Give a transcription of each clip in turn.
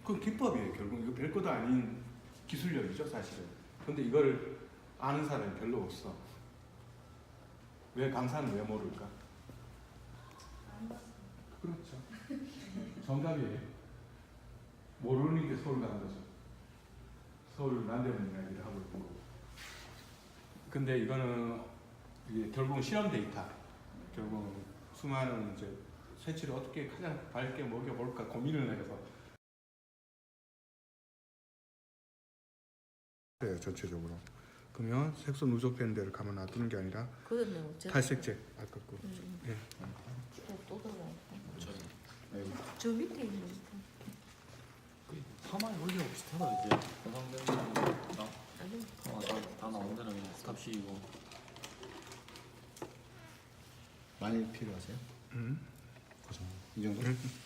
그건 기법이에요. 결국 이거 별것도 아닌 기술력이죠, 사실은. 근데 이걸 아는 사람이 별로 없어. 왜 강사는 왜 모를까? 그렇죠. 정답이에요. 모르는 게 서울 가는 거죠. 서울 난데없는 이야기를 하고 있는 거고. 근데 이거는 이게 결국은 실험 데이터. 결국 수많은 이제 새치를 어떻게 가장 밝게 먹여볼까 고민을 해서. 네, 전체적으로. 그러면 색소 누적된 데를 가만 놔두는 게 아니라 탈색제 아까 거. 예. 또 들어가. 저 밑에 있는 파마에 원리가 비슷하다 이제 해상되는 거랑 다 나온 데는 그냥 스탑식이고. 많이 필요하세요? 이 정도?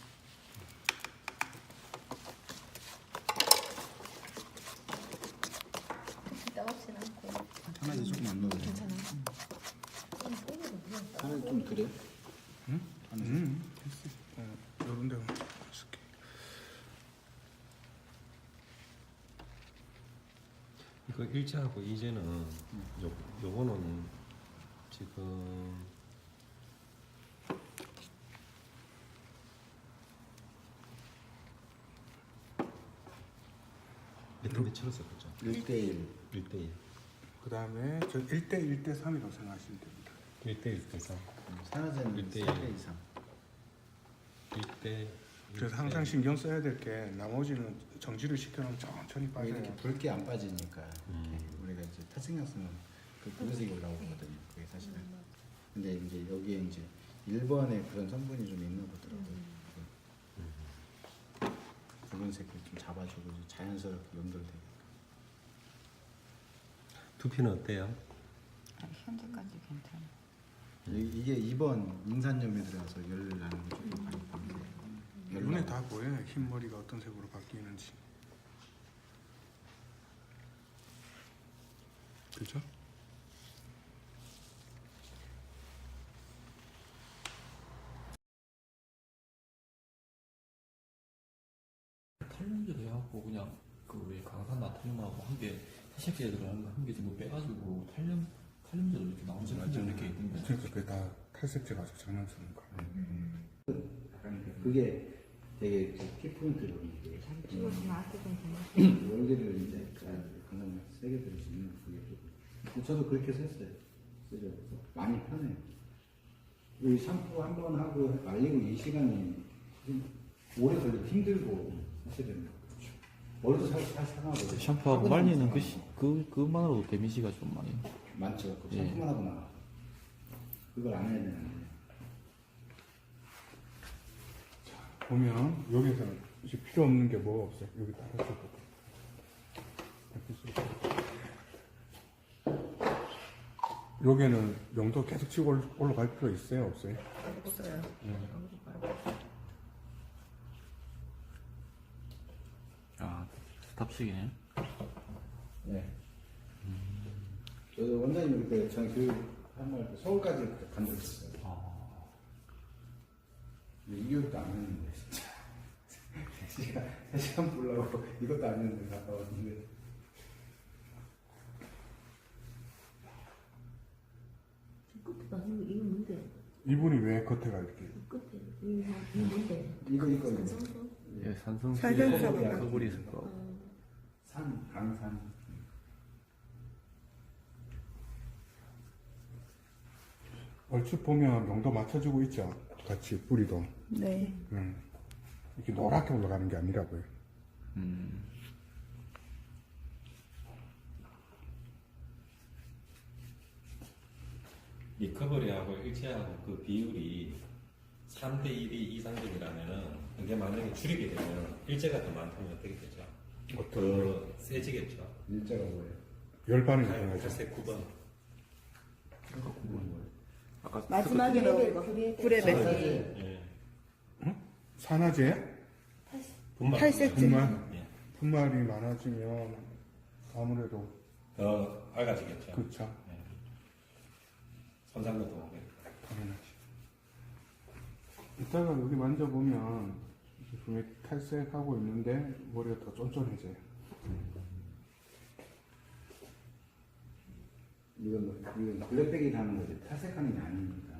따갑진 않고 하나도 조금 안 넣어도 돼요? 괜찮아. 하나도 좀 그래요? 됐어. 이런 데만 쓸게. 이거 1차하고 2제는 요거는 지금 몇 치렀어요, 그죠? 1대1 1대1. 그 다음에 저 1대 1대 3이라고 생각하시면 됩니다. 1대1 대상. 산화제는 1대1. 3대 이상 1대. 그래서 항상 신경 써야 될 게 나머지는 정지를 시켜놓으면 천천히 빠져요. 이렇게 붉게 안 빠지니까 이렇게 우리가 이제 탈색약 쓰면 그 붉은색이 올라오거든요. 그게 사실은. 근데 이제 여기에 이제 1번에 그런 성분이 좀 있는 거더라고요. 붉은색을 좀 잡아주고 자연스럽게 연결되게. 두피는 어때요? 현재까지 괜찮아. 이게 2번 인산염에 들어가서 열 나는 거 조금 많이 보이세요. 눈에 다 보여요. 흰머리가 어떤 색으로 바뀌는지. 그죠? 탈염제 돼갖고 그냥 그 우리 강산 나트륨하고 한개 탈색제 들어가는 거한개 정도 빼가지고 탈염제도 이렇게 나오지 않죠 이렇게 있던데. 그러니까 그게 다 탈색제 가지고 장난치는 거야. 그게 되게 키포인트거든요. 찍어주면 앞에 괜찮아. 원리를 이제 강한 세게 들을 수 있는 그게 좀. 저도 그렇게 썼어요. 쓰죠. 그래서 많이 편해요. 이 샴푸 한 번 하고 말리고 이 시간이 좀 오래 걸리고 힘들고 사실은 머리도 살짝 상하고 샴푸하고 말리는 그것만으로도 데미지가 좀 많이. 많죠. 그 예. 샴푸만 하고 나가 그걸 안 해야 되는데. 보면 여기서는 이제 필요 없는 게 뭐가 없어요. 여기 딱 해서 여기는 용도 계속 치고 올라갈 필요 있어요, 없어요? 없어요. 아 스탑식이네. 네. 저도 원장님 그때 전 교육한 말 서울까지 간 적 있어요. 이 교육도 안 했는데 진짜 3시간 보려고 이것도 안 했는데 갔다 왔는데 끝에가 이거 뭔데? 이분이 왜 겉에가 이렇게 끝에 이거 뭔데? 이거 산성소? 예, 산성수 살균사가 커버리 있을 거. 강산 얼추 보면 용도 맞춰주고 있죠. 같이 뿌리도. 네. 이렇게 노랗게 올라가는 게 아니라고요. 리커버리하고 일체하고 그 비율이 3대 1이 이상적이라면은 이게 만약에 줄이게 되면 일제가 더 많다면 어떻게 되죠? 더 세지겠죠. 일자가 뭐예요? 열반이 일어나죠. 탈색 9번. 마지막에 불에 뱉어. 예. 산화제? 분말. 탈색제. 분말? 예. 분말이 많아지면 아무래도 더 밝아지겠죠. 그렇죠. 예. 손상도 더 오고. 당연하지. 이따가 여기 만져보면 분명히 탈색하고 있는데 머리가 더 쫀쫀해져요. 이건 블랙백이 하는 거지 탈색하는 게 아니니까.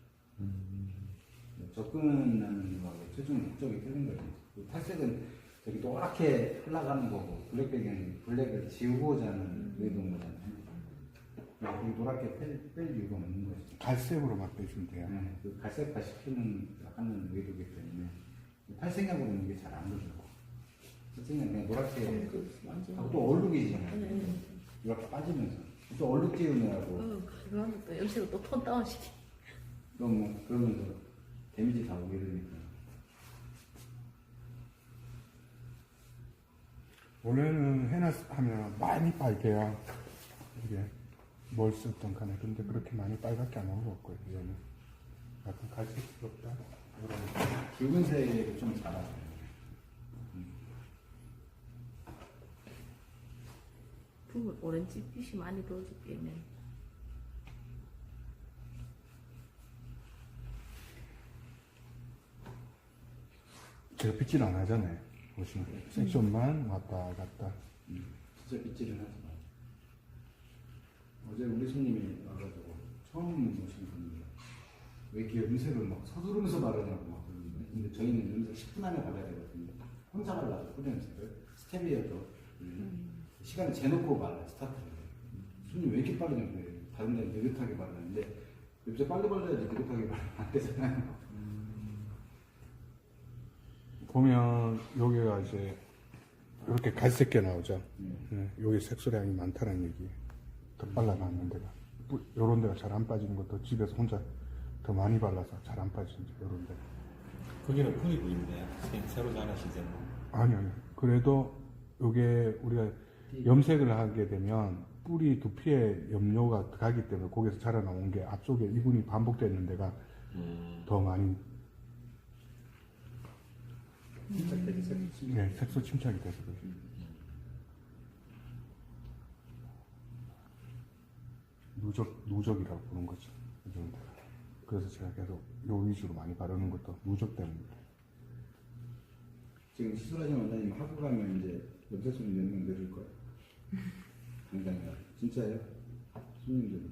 접근하는 거하고 최종 목적이 틀린 거지. 그 탈색은 저기 노랗게 흘러가는 거고 블랙백은 블랙을 지우고자 하는 의도인 거잖아요. 여기 노랗게 뺄 이유가 없는 거지. 갈색으로만 빼주면 돼요. 네, 그 갈색화 하는 의도기 때문에 탈색약으로는 이게 잘 안 되고 탈색약 그냥 노랗게 하고 또 얼룩이잖아요. 이렇게 빠지면서 또 얼룩 띄우느라고 그러면 또 염색을 또 톤 다운시키. 그러면서 데미지 다 오게 되니까. 원래는 해나 하면 많이 빨개요. 이게 뭘 썼던 간에. 근데 그렇게 많이 빨갛게 안 나온 것 같고요. 얘는 약간 갈색스럽다. 붉은색을 좀 잘하죠. 붉은 오렌지 빛이 많이 들어오지 빼면. 제가 빗질 안 하잖아요. 보시면 섹션만 왔다 갔다. 진짜 빗질은 하지 마. 어제 우리 손님이 와가지고 처음 오신 분인데 왜 이렇게 염색을 막 서두르면서 바르냐고 막 그러는데 근데 저희는 염색 10분 안에 발라야 되거든요. 혼자 발라서 뿌리 염색을 스텝이어도 시간을 재놓고 발라 스타트를. 손님 왜 이렇게 빠르냐고 그래요. 다른 데는 느긋하게 바르는데 염색 빨리 발라야지 느긋하게 바르면 안 되잖아요. 보면 여기가 이제 이렇게 갈색게 나오죠. 네, 여기 색소량이 많다는 얘기예요. 더 발라놨는 데가. 요런 데가 잘 안 빠지는 것도 집에서 혼자 더 많이 발라서 잘 안 빠지는 요런 데. 거기는 풀이 보이는데 새로 자라시잖아요. 아니요. 그래도 요게 우리가 염색을 하게 되면 뿌리 두피에 염료가 가기 때문에 거기서 자라나온 게 앞쪽에 이분이 반복되는 데가 더 많이 네, 색소 침착이 돼서 그래요. 누적이라고 부르는 거죠. 이 정도가. 그래서 제가 계속 요 위주로 많이 바르는 것도 누적 때문입니다. 지금 시술하신 원장님 하고 가면 이제 염색 손님 몇 명 늘을 거예요. 당장이야. 진짜예요? 손님들.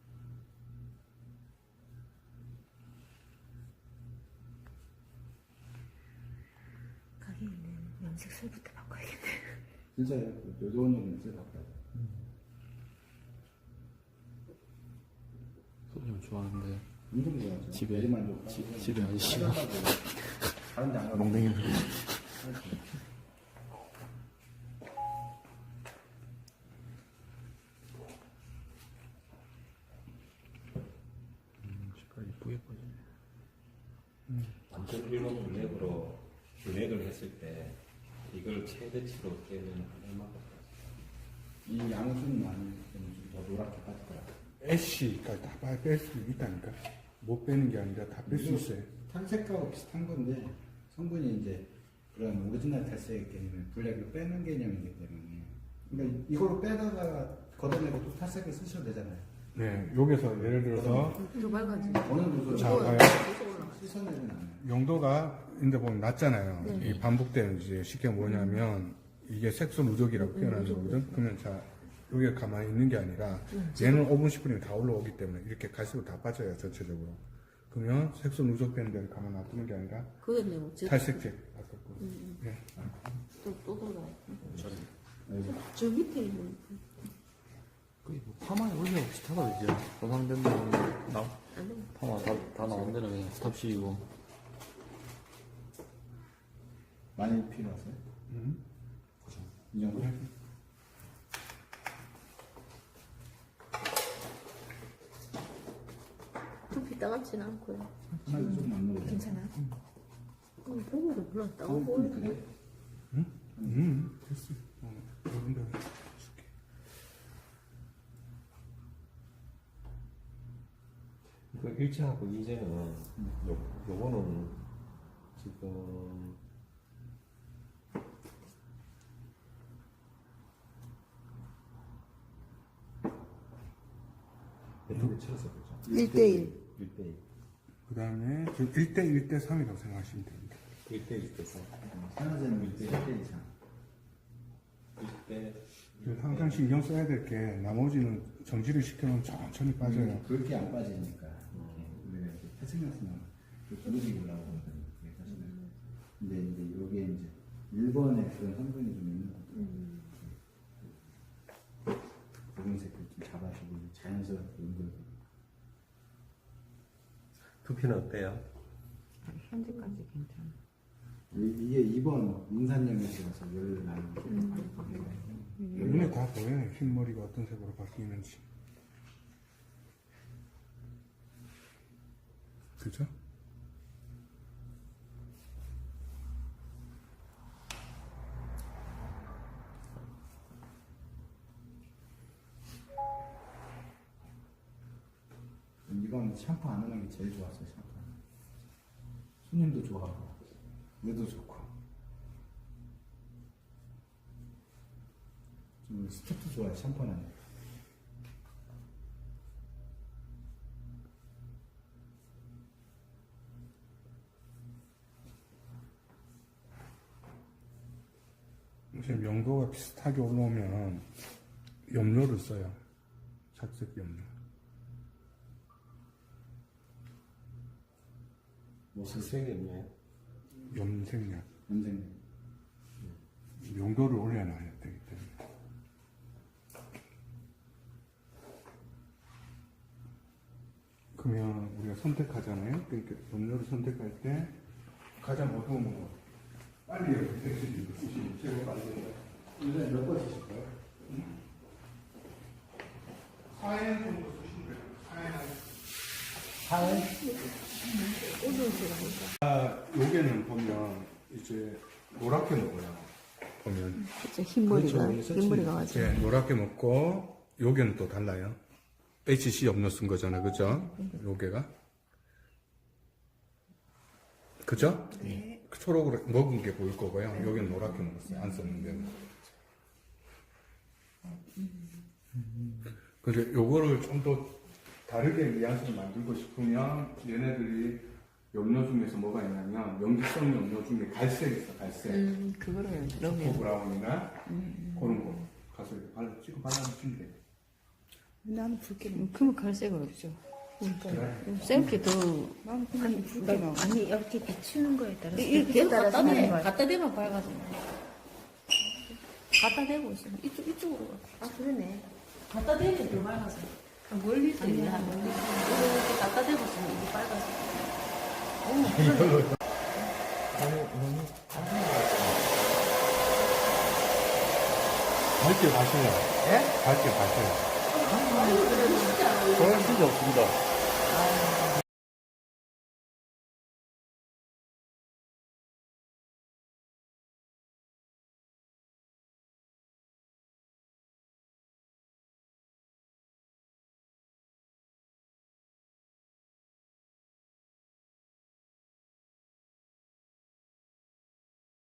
가게에는 염색술부터 바꿔야겠네. 진짜예요. 요조원님 염색 바꿔요. 손님 좋아하는데 엄청 좋아하죠. 집에 애들만 좀 집에 아저씨가 다른 데안 가고. 몽댕이 색깔 이쁘게 빠지네. 완전 일본 블랙으로 블랙을 했을 때 이걸 최대치로 깨면 얼마나 이 양수는 많이 더 노랗게 빠질 거야. 애쉬까지 다 뺄 수 있다니까. 못 빼는 게 아니라 다 뺄 수 있어요. 탈색하고 비슷한 건데 성분이 이제 그런 오리지널 탈색이기 때문에 블랙을 빼는 개념이기 때문에 그러니까 이거로 빼다가 걷어내고 또 탈색을 쓰셔도 되잖아요. 네, 여기서 예를 들어서 더 밝아지. 어느 정도 자, 봐요. 씻어내진 않아요. 용도가 인데 보면 낮잖아요. 네. 이 반복되는 이제 쉽게 뭐냐면 이게 색소 누적이라고 표현하는 거거든. 그러면 자 여기가 가만히 있는 게 아니라 얘는 5분 10분이면 다 올라오기 때문에 이렇게 갈색으로 다 빠져요 전체적으로. 그러면 색소 누적되는 데를 가만 놔두는 게 아니라 그거네 뭐. 탈색제 아깝고. 네. 또 돌아. 저 밑에 있는. 거의 뭐 파마에 원래 비슷하다 이제 보상된 데는 안 돼. 파마 다 나온 데는 그냥 스탑 씌우고 많이 필요하세요? 이 정도? 두피 따갑진 않고요. 하나도 조금 안 넣어도 괜찮아요? 보고도 별로 안 따가 어, 보여. 그래? 됐어. 이런 데 줄게. 그 일제하고 이제는 요거는 지금 몇대 쳐서 그죠? 1대1. 1대1. 그 다음에 지금 1대 1대 3이라고 생각하시면 됩니다. 1대1 돼서 산화제는 1대 이상. 1대 항상 신경 써야 될 게 나머지는 정지를 시켜놓으면 천천히 빠져요. 그렇게 안 빠지니까 우리가 이제 태생나스나 부르지 올라오고 그러거든요. 그게 사실은. 근데 이제 여기에 이제 1번에 그런 성분이 좀 있는 거죠. 붉은색을 좀 잡아주고 자연스럽게 연결되고. 두피는 어때요? 현재까지 괜찮아. 이게 2번 인산염에서 열을 나는 눈에 다 보여요. 흰머리가 어떤 색으로 바뀌는지. 그죠? 이건 샴푸 안 하는 게 제일 좋았어요. 샴푸. 손님도 좋아하고 뇌도 좋고 좀 스텝도 좋아요. 샴푸 안 하는 게. 지금 명도가 비슷하게 올라오면 염료를 써요. 착색 염료. 무슨 색이었나요? 염색약. 염색 용도를 올려놔야 되기 때문에. 그러면 우리가 선택하잖아요. 그러니까 염료를 선택할 때 가장 어두운 거 빨리 택시를 쓰시면 최고 빨리. 일년에 몇 번 쓰실까요? 4엔 정도 쓰시면 돼요. 4회? 요게는 보면 이제 노랗게 먹어요. 보면 그쵸, 흰머리가, 그렇죠. 흰머리가 맞아. 예, 노랗게 먹고 요게는 또 달라요. HC 염료 쓴 거잖아요, 그죠? 요게가 그죠? 네. 초록으로 먹은 게 보일 거고요. 요게는 노랗게 먹었어요. 안 썼는데. 근데 요거를 좀 더 다르게 뉘앙스를 만들고 싶으면 얘네들이 염료 중에서 뭐가 있냐면 염기성 염료 중에 갈색 있어, 갈색. 그거를 초코 넣으면. 브라운이나 그런 거 가서 이렇게 찍어 발라주시면 돼요. 나는 붉게. 그러면 갈색으로 죠. 셀피 더. 나는 그냥 붉게가. 아니 이렇게 비추는 거에 따라서 이렇게 따라서 갖다 대. 하는 거야. 갖다 대면 밝아져. 갖다 대고 있어. 이쪽으로. 아 그러네. 갖다 대면 더 밝아져. 멀리서 있네, 한 멀리서. 이렇게 갖다 대고 있으면 이게 밝아져. 밝게 가셔요. 예? 밝게 가셔요. 저는 진짜 없습니다.